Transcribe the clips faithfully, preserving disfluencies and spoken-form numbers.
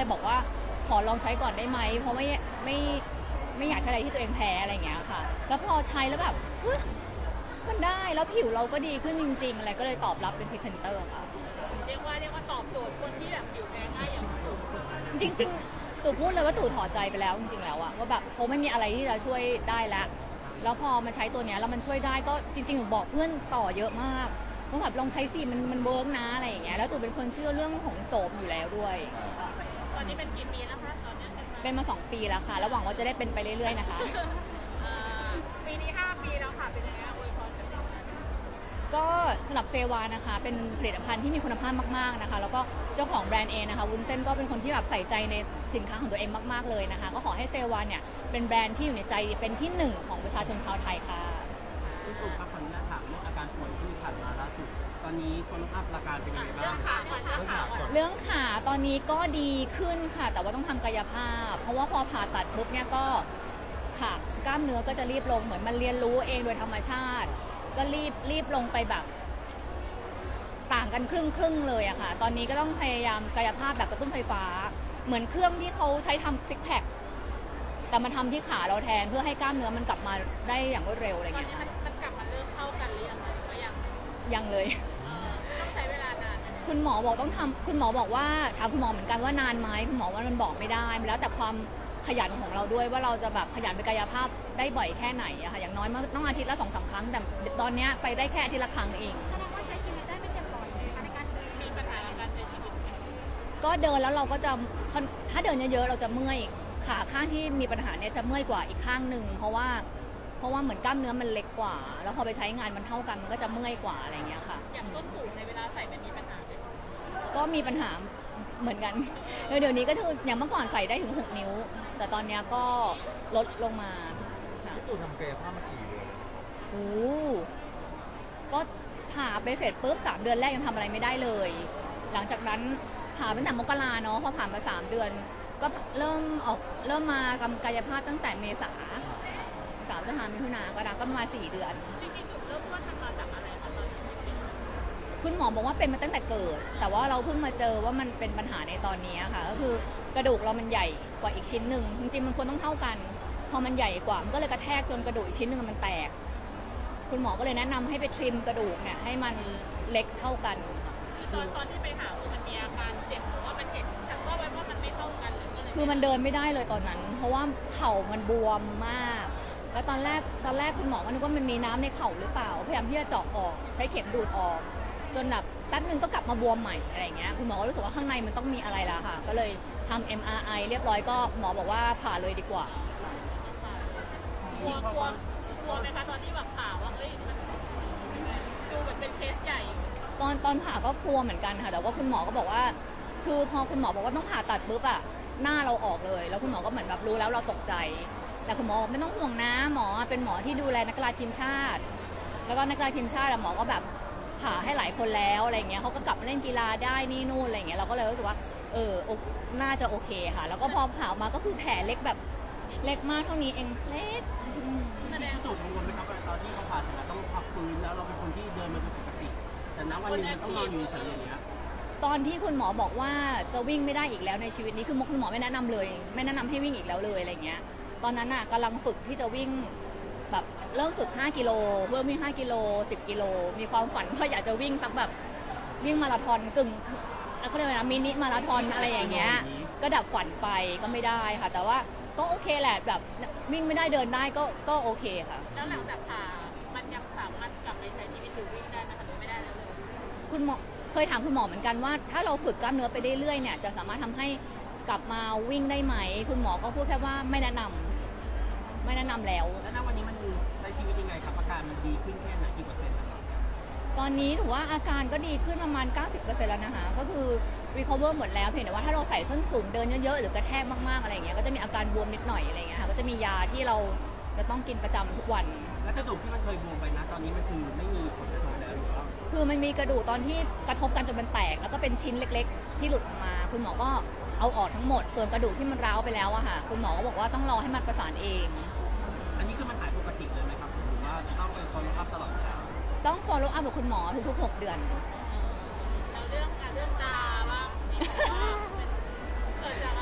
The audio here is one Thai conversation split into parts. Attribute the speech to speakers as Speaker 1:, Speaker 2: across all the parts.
Speaker 1: เลยบอกว่าขอลองใช้ก่อนได้ไหมเพราะไม่ไม่ไม่อยากใช้อะไรที่ตัวเองแพ้อะไรอย่างเงี้ยค่ะแล้วพอใช้แล้วแบบเฮ้ยมันได้แล้วผิวเราก็ดีขึ้นจริงๆอะไรก็เลยตอบรับเป็นพรีเซนเตอร์ค่ะ
Speaker 2: เรียกว่าเรียกว่าตอบโจทย์คนที่แบบผิวแพ้ง่ายอย่างตู่
Speaker 1: จริงๆตู่พูดเลยว่าตู่ถอดใจไปแล้วจริงๆแล้วอะว่าแบบเขาไม่มีอะไรที่จะช่วยได้แล้วแล้วพอมาใช้ตัวเนี้ยแล้วมันช่วยได้ก็จริงๆหนูบอกเพื่อนต่อเยอะมากว่าแบบลองใช้สิมันมันเวิร์กนะอะไรอย่างเงี้ยแล้วตู่เป็นคนเชื่อเรื่องของโสมอยู่แล้วด้วย
Speaker 2: ตอนนี้เป็นกี่ปีแล้วคะตอนนี้เป็นมา
Speaker 1: เป็นมาสองปีแล้วค่ะแล้วหวังว่าจะได้เป็นไปเรื่อยๆนะคะ
Speaker 2: เอ่อปีนี้ห้าปีแล้วค่ะเป็นยังไงอวยพรกันบ้าง
Speaker 1: ก็สำหรับเซวานะคะเป็นผลิตภัณฑ์ที่มีคุณภาพมากๆนะคะแล้วก็เจ้าของแบรนด์เองนะคะวุ้นเส้นก็เป็นคนที่แบบใส่ใจในสินค้าของตัวเองมากๆเลยนะคะก็ขอให้เซวาเนี่ยเป็นแบรนด์ที่อยู่ในใจเป็นที่หนึ่งของประชาชนชาวไทยค่ะ
Speaker 3: คุณตู่ครับขออนุญาตถามเรื่องอาการป่วยที่ผ่านมาล่าสุดตอนนี้คนอัพอาการเป็นยังไงบ้าง
Speaker 2: เรื่องขาก่อนเรื่องขาก่อน
Speaker 1: เรื่องขาตอนนี้ก็ดีขึ้นค่ะแต่ว่าต้องทำกายภาพ เพราะว่าพอผ่าตัดปุ๊บเนี่ยก็ขากล้ามเนื้อก็จะรีบลงเหมือนมันเรียนรู้เองโดยธรรมชาติ ก็รีบรีบลงไปแบบต่างกันครึ่งครึ่งเลยอะค่ะตอนนี้ก็ต้องพยายามกายภาพแบบกระตุ้นไฟฟ้า เหมือนเครื่องที่เขาใช้ทำซิกแพคแต่มันทำที่ขาเราแทนเพื่อให้กล้ามเนื้อมันกลับมาได้อย่างรวดเร็วอะไร
Speaker 2: ตอน
Speaker 1: เงี้ย
Speaker 2: นี้มันมันกลับมาเริ่มเข้ากันหรือยังคะหรือว่ายัง
Speaker 1: ยังเลย
Speaker 2: เอ่อต้องใช้เวลานานไหม
Speaker 1: คุณหมอบอกต้องทำคุณหมอบอกว่าถามคุณหมอเหมือนกันว่านานไหมคุณหมอว่ามันบอกไม่ได้แล้วแต่ความขยันของเราด้วยว่าเราจะแบบขยันไปกายภาพได้บ่อยแค่ไหนอะค่ะอย่างน้อยมันต้องอาทิตย์ละสองสามครั้งแต่ตอนเนี้ยไปได้แค่อาทิตย์ละครั้งเอง
Speaker 4: แสดงว่าใช้ชีวิตได้ไม่เจ็บปวดเลยนะคะในการเดิน
Speaker 2: มีปัญหาในการใช้ชีวิตไหม
Speaker 1: ก็เดินแล้วเราก็จะถ้าเดินเยอะๆเราจะเมื่อยขาข้างที่มีปัญหาเนี่ยจะเมื่อยกว่าอีกข้างหนึ่งเพราะว่าเพราะว่าเหมือนกล้ามเนื้อมันเล็กกว่า แล้วพอไปใช้งานมันเท่ากันมันก็จะเมื่อยกว่าอะไรเงี้ยค่ะ
Speaker 2: อย่างต้นสูงในเวลาใส่มันมีปัญหาไหม
Speaker 1: ก็มีปัญหาเหมือนกันเออเดี๋ยวนี้ก็คืออย่างเมื่อก่อนใส่ได้ถึงหกนิ้ว แต่ตอนเนี้ยก็ลดลงมาค่ะ
Speaker 5: พี่ตู่ทำกายภาพมากี่เดือน
Speaker 1: โอ้ก็ผ่าไปเสร็จปุ๊บสามเดือนแรกยังทำอะไรไม่ได้เลย หลังจากนั้นผ่าตั้งแต่มกราเนาะพอผ่านมาสามเดือน ก็เริ่มออกเริ่มมากำกายภาพตั้งแต่เมษาสามพฤษภามิถุนาก็นะก็มาสี่เดือน
Speaker 2: จริงๆจุดเริ่มต้นมันมาจากอะไรคะตอนนี้
Speaker 1: คุณหมอบอกว่าเป็นมาตั้งแต่เกิด แต่ว่าเราเพิ่งมาเจอว่ามันเป็นปัญหาในตอนนี้ค่ะ ก็คือกระดูกเรามันใหญ่กว่าอีกชิ้นหนึ่งจริงๆมันควรต้องเท่ากัน พอมันใหญ่กว่ามันก็เลยกระแทกจนกระดูกอีกชิ้นหนึ่งมันแตก คุณหมอก็เลยแนะนำให้ไปทริมกระดูกเนี่ยให้มันเล็กเท่ากัน
Speaker 2: คือตอนตอนที่ไปหาคือมันมีอาการเจ็บหรือว่ามันเห็นฉันว่ามันว่ามันไม่เท่ากันเลยก็เลย
Speaker 1: คือมันเดินไม่ได้เลยตอนนั้น เพราะว่าเข่ามันบวมมาก แล้วตอนแรกตอนแรกคุณหมอก็นึกว่ามันมีน้ำในเข่าหรือเปล่า พยายามที่จะเจาะออกใช้เข็มดูดออก จนแบบแป๊บนึงก็กลับมาบวมใหม่อะไรเงี้ย คุณหมอก็รู้สึกว่าข้างในมันต้องมีอะไรละค่ะ ก็เลยทำ เอ็ม อาร์ ไอ เรียบร้อยก็หมอบอกว่าผ่าเลยดีกว่า
Speaker 2: กลัวกลัวกลัวไหมคะตอนที่แบบข่าวว่าเอ้ยมันดูเหมือนเป็นเคสใหญ่
Speaker 1: ตอนตอนผ่าก็กลัวเหมือนกันค่ะ แต่ว่าคุณหมอก็บอกว่า คือพอคุณหมอบอกว่าต้องผ่าตัดปุ๊บอะหน้าเราออกเลย แล้วคุณหมอก็เหมือนแบบรู้แล้วเราตกใจ แต่คุณหมอบอกไม่ต้องห่วงนะ หมอเป็นหมอที่ดูแลนักกีฬาทีมชาติ แล้วก็นักกีฬาทีมชาติอะหมอก็แบบผ่าให้หลายคนแล้วอะไรเงี้ยเขาก็กลับมาเล่นกีฬาได้นี่นู่นอะไรเงี้ย เราก็เลยรู้สึกว่า เออโอน่าจะโอเคค่ะ แล้วก็พอผ่าออกมาก็คือแผลเล็กแบบเล็กมากเท่านี้เอง เล็กอืม
Speaker 2: แสดง
Speaker 3: พี่ตู่กังวลไหมครับว่าตอนที่เขาผ่าเสร็จแล้วต้องพักฟื้นแล้วเราเป็นคนที่เดินมาเป็นปกติ แต่ณวันหนึงมันต้องนอนอยู่เฉยๆอย่างเงี้ย
Speaker 1: ตอนที่คุณหมอบอกว่าจะวิ่งไม่ได้อีกแล้วในชีวิตนี้คือคุณหมอไม่แนะนำเลย ไม่แนะนำให้วิ่งอีกแล้วเลยอะไรเงี้ย ตอนนั้นน่ะกำลังฝึกที่จะวิ่งแบบเริ่มฝึกห้ากิโลเพื่อวิ่งห้ากิโลสิบกิโลมีความฝันว่าอยากจะวิ่งสักแบบวิ่งมาราธอนกึ่งเขาเรียกว่านะมินิมาราธอนอะไรอย่างเงี้ยก็ดับฝันไปก็ไม่ได้ค่ะ แต่ว่าก็โอเคแหละแบบวิ่งไม่ได้เดินได้ก็ก็โอเคค่ะ
Speaker 2: แล้วหลังจากผ่ามันยังสามารถกลับไปใช้ชีวิตหรือวิ่งได้ไหมคะหรือไม่ได้แล้วเลย
Speaker 1: คุณหมอเคยถามคุณหมอเหมือนกันว่าถ้าเราฝึกกล้ามเนื้อไปเรื่อยๆเนี่ยจะสามารถทำให้กลับมาวิ่งได้ไหม คุณหมอก็พูดแค่ว่าไม่แนะนำไม่แนะนำแล้ว
Speaker 3: แล้วณวันนี้มันใช้ชีวิตยังไงครับอาการมันดีขึ้นแค่ไหนกี่เปอร์เซ็นต์นะครับ
Speaker 1: ตอนนี้ถือว่าอาการก็ดีขึ้นประมาณ เก้าสิบเปอร์เซ็นต์ แล้วนะคะก็คือ recover หมดแล้วเพียงแต่ว่าถ้าเราใส่ส้นสูงเดินเยอะๆหรือกระแทกมากๆอะไรอย่างเงี้ยก็จะมีอาการบวมนิดหน่อยอะไรอย่างเงี้ยค่ะก็จะมียาที่เราจะต้องกินประจำทุกวัน
Speaker 3: แล้วกระดูกที่มันเคยบวมไปนะ ตอนนี้มันคือไม่มีผลกระทบแล้วหรือว่า
Speaker 1: คือมันมีกระดูกตอนที่กระทบกันจนมันแตก แล้วก็เป็นชิ้นเล็กๆ ที่หลุดออกมา คุณหมอก็เอาออกทั้งหมด ส่วนกระดูกที่มันร้าวไปแล้วอะค่ะคุณหมอก็บอกว่าต้องรอให้มันประสานเอง
Speaker 3: อันนี้คือมันหายปกติเลยไหมครับหรือว่าจะต้องไปคอยรับตลอดเวลา
Speaker 1: ต้อง follow up กับคุณหมอทุกๆหกเดือน
Speaker 2: แล้วเรื่องการเรื่องตาบ้างที่บอกว่าเป็นเกิดจาก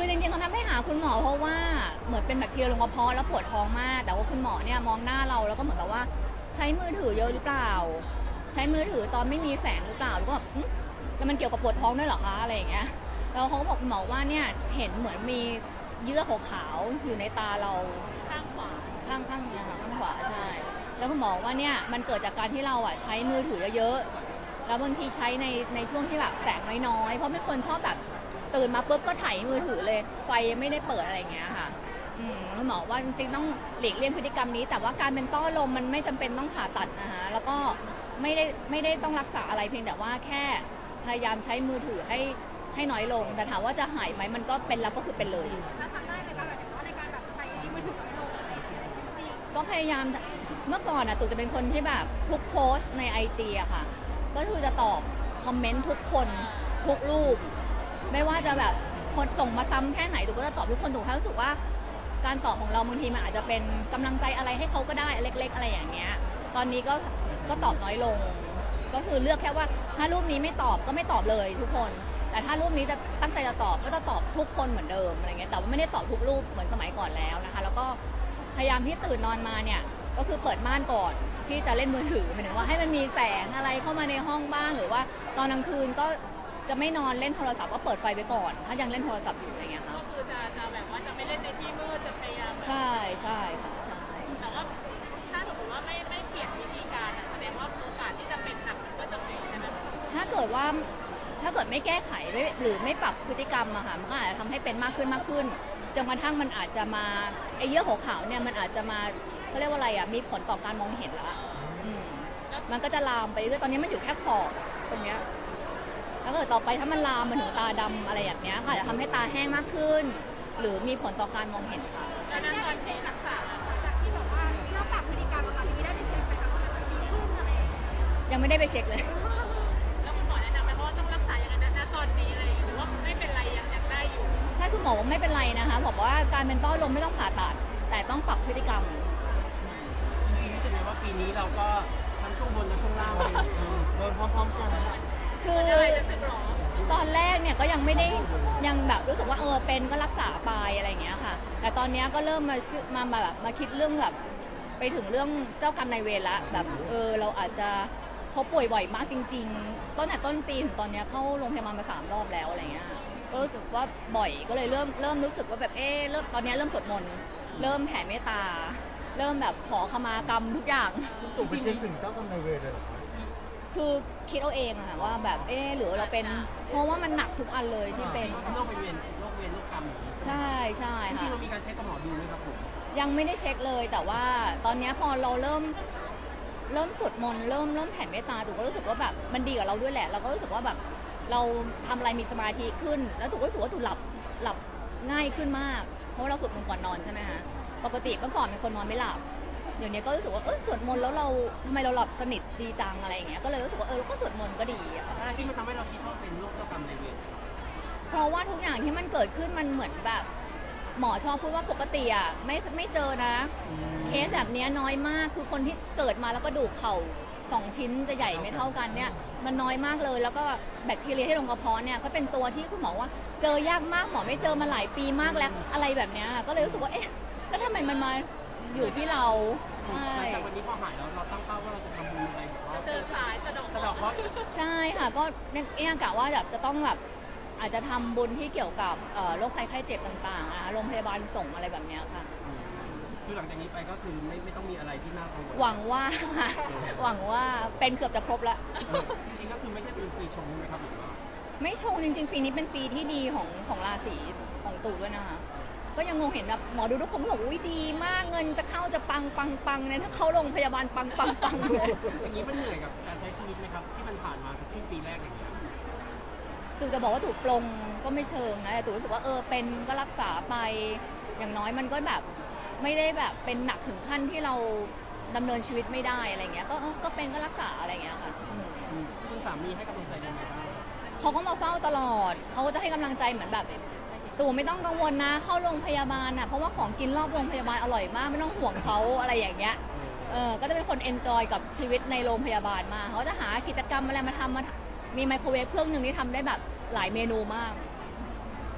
Speaker 1: คือจริงๆเขานัดให้หาคุณหมอเพราะว่าเหมือนเป็นแบคทีเรียลงกระเพาะแล้วปวดท้องมาก แต่ว่าคุณหมอเนี่ยมองหน้าเราแล้วก็เหมือนกับว่าใช้มือถือเยอะหรือเปล่า ใช้มือถือตอนไม่มีแสงหรือเปล่าแล้วก็แบบอื้อแล้วมันเกี่ยวกับปวดท้องด้วยเหรอคะอะไรอย่างเงี้ยแล้วเขาก็บอกคุณหมอว่าเนี่ยเห็นเหมือนมีเยื่อขาวๆอยู่ในตาเรา
Speaker 2: ข้างขวา
Speaker 1: ข้างข้างเนี่ยค่ะข้างขวาใช่ แล้วคุณหมอบอกว่าเนี่ยมันเกิดจากการที่เราอ่ะใช้มือถือเยอะๆแล้วบางทีใช้ในในช่วงที่แบบแสงน้อยๆเพราะไม่คนชอบแบบตื่นมาปุ๊บก็ถ่ายมือถือเลยไฟยังไม่ได้เปิดอะไรอย่างเงี้ยค่ะอืมคุณหมอว่าจริงๆต้องหลีกเลี่ยงพฤติกรรมนี้ แต่ว่าการเป็นต้อลมมันไม่จำเป็นต้องผ่าตัดนะคะแล้วก็ไม่ได้ไม่ได้ต้องรักษาอะไรเพียงแต่ว่าแค่พยายามใช้มือถือให้ให้น้อยลง แต่ถามว่าจะหายไหมมันก็เป็นแล้วก็คือเป็นเลย
Speaker 4: แล้วทำได้ไหมคะแบบว่าในการแบบใช้มือถือน้อยลงอะไรอย่างเงี้ยในชีวิตจริง
Speaker 1: ก็พยายามจะเมื่อก่อนอะตู่จะเป็นคนที่แบบทุกโพสต์ในไอจีอะค่ะ ก็คือจะตอบคอมเมนต์ทุกคนทุกรูป ไม่ว่าจะแบบคนส่งมาซ้ำแค่ไหนตู่ก็จะตอบทุกคนตู่แค่รู้สึกว่าการตอบของเราบางทีมันอาจจะเป็นกำลังใจอะไรให้เขาก็ได้เล็ก ๆ อะไรอย่างเงี้ย ตอนนี้ก็ก็ตอบน้อยลง ก็คือเลือกแค่ว่าถ้ารูปนี้ไม่ตอบก็ไม่ตอบเลยทุกคน แต่ถ้ารูปนี้จะตั้งใจจะตอบก็จะตอบทุกคนเหมือนเดิมอะไรเงี้ยแต่ว่าไม่ได้ตอบทุกรูปเหมือนสมัยก่อนแล้วนะคะ แล้วก็พยายามที่ตื่นนอนมาเนี่ยก็คือเปิดม่านก่อนที่จะเล่นมือถือหมายถึงว่าให้มันมีแสงอะไรเข้ามาในห้องบ้าง หรือว่าตอนกลางคืนก็จะไม่นอนเล่นโทรศัพท์ก็เปิดไฟไปก่อน ถ้ายังเล่นโทรศัพท์อยู่อะไรเงี้ยค่ะ
Speaker 2: ก็คือจะจะแบบว่าจะไม่เล่นในที่มืดจะพยายาม
Speaker 1: ใช่ใช่ค่ะใช่
Speaker 2: แต่ว่าถ้าสมมติว่าไม่ไม่เปลี่ยนวิธีการอะแสดงว่าโอกาสที่จะเป็นหนักมันก็จะเป็นใช่ไหม
Speaker 1: ถ้าเกิดว่าถ้าเกิดไม่แก้ไขไม่หรือไม่ปรับพฤติกรรมอะค่ะมันก็อาจจะทำให้เป็นมากขึ้นมากขึ้นจนกระทั่งมันอาจจะมาไอ้เยื่อขาวๆเนี่ยมันอาจจะมาเขาเรียกว่าอะไรอะมีผลต่อการมองเห็นละอืมมันก็จะลามไปเรื่อยๆตอนนี้มันอยู่แค่ขอบตรงเนี้ยแล้วก็ต่อไปถ้ามันลามมาถึงตาดำอะไรอย่างเงี้ยก็อาจจะทำให้ตาแห้งมากขึ้น หรือมีผลต่อการมองเห็นค่ะ
Speaker 2: แล้วนั้นตอนที่รักษา
Speaker 4: หลังจากที่แบบว่าเริ่มปรับพฤติกรรมอะค่ะมีได้ไปเช็คไหมคะว่ามันดีขึ้นอะไรอย่างเงี้ย
Speaker 1: ยังไม่ได้ไปเช็คเลย
Speaker 2: แล้วคุณหมอแนะนำไหมเพราะว่าต้องรักษาอย่างนั้นนะตอนนี้อะไรอย่างเงี้ยหรือว่าไม่เป็นไรยังยังได้อยู่
Speaker 1: ใช่คุณหมอบอกไม่เป็นไรนะคะบอกว่าการเป็นต้อลมไม่ต้องผ่าตัด แต่ต้องปรับพฤติกรรม
Speaker 3: จริงๆรู้สึกไงว่าปีนี้เราก็ทั้งช่วงบนและช่วงล่างเลยเออโดนพร้อมๆกัน
Speaker 1: คือ
Speaker 2: อะไรจะสึกหรอ
Speaker 1: ตอนแรกเนี่ยก็ยังไม่ได้ยังแบบรู้สึกว่าเออเป็นก็รักษาไปอะไรอย่างเงี้ยค่ะ แต่ตอนเนี้ยก็เริ่มมาชื่อมามาแบบมาคิดเรื่องแบบไปถึงเรื่องเจ้ากรรมนายเวรละแบบเออเราอาจจะเขาป่วยบ่อยมากจริงๆตั้งแต่ต้นปีถึงตอนเนี้ยเข้าโรงพยาบาลมาสามรอบแล้วอะไรเงี้ยก็รู้สึกว่าบ่อยก็เลยเริ่มเริ่มรู้สึกว่าแบบเออเริ่มตอนเนี้ยเริ่มสวดมนต์เริ่มแผ่เมตตา เริ่มแบบขอขมากรรมทุกอย่าง
Speaker 5: ตู่ไปเช็คถึงเจ้ากรรมนายเวรเลยเหรอ
Speaker 1: คือคิดเอาเองอะค่ะว่าแบบเออหรือเราเป็นเพราะว่ามันหนักทุกอันเลยที่เป็น
Speaker 3: โรคไปเวียนโรคเวียนโรคกรรมอย่างนี้
Speaker 1: ใช่ใช่
Speaker 3: จริ
Speaker 1: ค่ะ
Speaker 3: งๆเรามีการเช็คกับหมอดูไหมครับผม
Speaker 1: ยังไม่ได้เช็คเลยแต่ว่าตอนเนี้ยพอเราเริ่มเริ่มสวดมนต์เริ่มเริ่มแผ่เมตตาถูกก็รู้สึกว่าแบบมันดีกับเราด้วยแหละ เราก็รู้สึกว่าแบบเราทำอะไรมีสมาธิขึ้น แล้วถูกก็รู้สึกว่าถูกหลับหลับง่ายขึ้นมาก เพราะว่าเราสวดมนต์ก่อนนอนใช่ไหมคะปกติเมื่อก่อนเป็นคนนอนไม่หลับเดี๋ยวนี้ก็รู้สึกว่าเออสวดมนต์แล้วเราทำไมเราหลับสนิทดีจังอะไรอย่างเงี้ยก็เลยรู้สึกว่าเออเราก็สวดมนต์ก็ดีอะค่ะ
Speaker 3: อะไรที่มันทำให้เราคิดว่าเป็นโรคเจ้ากรรมนายเวร
Speaker 1: เพราะว่าทุกอย่างที่มันเกิดขึ้นมันเหมือนแบบ หมอชอบพูดว่าปกติอ่ะไม่ไม่เจอนะ เคสแบบเนี้ยน้อยมากคือคนที่เกิดมาแล้วก็ดูกเข่าสองชิ้นจะใหญ่ไม่เท่ากันเนี่ยมันน้อยมากเลย แล้วก็แบคทีเรียที่ลงกระเพาะเนี่ยก็เป็นตัวที่คุณหมอว่าเจอยากมากหมอไม่เจอมาหลายปีมากแล้วอะไรแบบเนี้ยก็เลยรู้สึกว่าเอ๊ะแล้วทำไมมันมาอยู่ที่เราใช่
Speaker 3: หลังจากวันนี้พอหายแล้วเราตั้งเป้าว่าเราจะทำบุญอะไรแบบว่า
Speaker 2: จะเดินสายสะดอก
Speaker 3: สะเดอกเคราะห์
Speaker 1: ใช่ค่ะก็เนี่ยกะว่าแบบจะต้องแบบอาจจะทำบุญที่เกี่ยวกับเอ่อโรคภัยไข้เจ็บต่างๆนะคะโรงพยาบาลส่งอะไรแบบเนี้ยค่ะ
Speaker 3: คือหลังจากนี้ไปก็คือไม่ไม่ต้องมีอะไรที่น่ากังวล
Speaker 1: หวังว่า หวังว่าเป็นเกือบจะครบแล้ว
Speaker 3: เออจริงๆก็คือไม่ใช่เป็นปีชงใช่ไหมครับหรือว่า
Speaker 1: ไม่ชงจริง ๆ ปีนี้เป็นปีที่ดีของของราศีของตู่ด้วยนะคะ ก็ยังงงเห็นแบบหมอดูทุกคนก็บอกอุ้ยดีมากเงินจะเข้าจะปังปังปังเนี่ยถ้าเข้าโรงพยาบาลปังปังปังเลย
Speaker 3: อย่างนี้มันเหนื่อยกับการใช้ชีวิตไหมครับที่มันผ่านมาครึ่งปีแรกอย่างเงี้ย
Speaker 1: ตู่จะบอกว่าตู่ปลงก็ไม่เชิงนะแต่ตู่รู้สึกว่าเออเป็นก็รักษาไปอย่างน้อยมันก็แบบไม่ได้แบบเป็นหนักถึงขั้นที่เราดำเนินชีวิตไม่ได้อะไรเงี้ยก็เออก็เป็นก็รักษาอะไรเงี้ยค่ะอืม
Speaker 3: อืมคุณสามีให้กำลังใจยังไงบ้าง
Speaker 1: เขาก็มาเฝ้าตลอด เขาก็จะให้กำลังใจเหมือนแบบตู่ไม่ต้องกังวลนะ เข้าโรงพยาบาลน่ะ เพราะว่าของกินรอบโรงพยาบาลอร่อยมาก ไม่ต้องห่วงเขาอะไรอย่างเงี้ย เออ ก็จะเป็นคนเอนจอยกับชีวิตในโรงพยาบาลมากเขาจะหากิจกรรมอะไรมาทำมามีไมโครเวฟเครื่องหนึ่งที่ทำได้แบบหลายเมนูมาก
Speaker 3: อ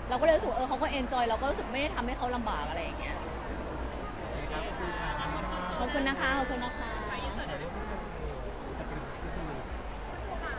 Speaker 1: เราก็เลยรู้สึกว่าเออเขาก็เอนจอยเราก็รู้สึกไม่ได้ทำให้เขาลำบากอะไรอย่างเงี้ย
Speaker 3: ครับขอบคุณค่ะ
Speaker 1: ขอบคุณนะคะขอบคุณนะคะ